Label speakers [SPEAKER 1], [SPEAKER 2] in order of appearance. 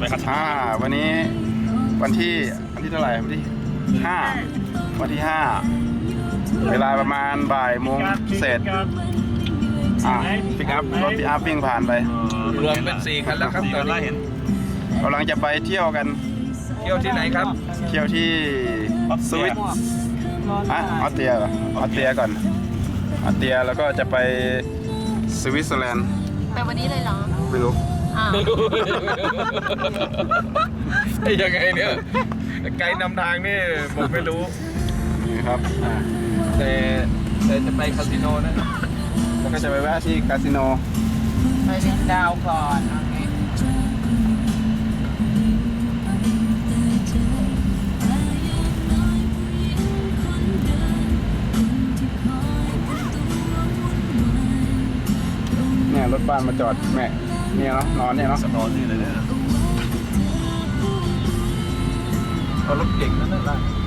[SPEAKER 1] วันนี้วันที่เท่าไหร่วันที่5วันที่5เวลาประมาณบ่ายโมงเศษปิกอัพรถปิกอัพวิ่งผ่านไป
[SPEAKER 2] รวมเป็น4คันแล้วครับตอนนี้เห็น
[SPEAKER 1] กำลังจะไปเที่ยวกัน
[SPEAKER 2] เที่ยวที่ไหนครับ
[SPEAKER 1] เที่ยวที่สวิตออสเตรียเหรอออสเตรียก่อนออสเตรียแล้วก็จะไปสวิตเซอร์แลนด์
[SPEAKER 3] ไปวันนี้เลยเหรอ
[SPEAKER 1] ไม่รู้
[SPEAKER 2] ยังไงเนี่ยไกด์นำทางนี่ผมไม่รู้
[SPEAKER 1] นี่ครับ
[SPEAKER 2] แต่จะไปคาสิโนนะ
[SPEAKER 1] แล้วก็จะไปแวะที่คาสิโน
[SPEAKER 3] ไปเล่นดาวก่อน
[SPEAKER 1] เนี่ยรถบ้านมาจอดแม่เนี่ยเนาะนอนเนี่ยเนาะ
[SPEAKER 2] นอนนี่เลยเนี่ยรถเก่งนั่นแหละ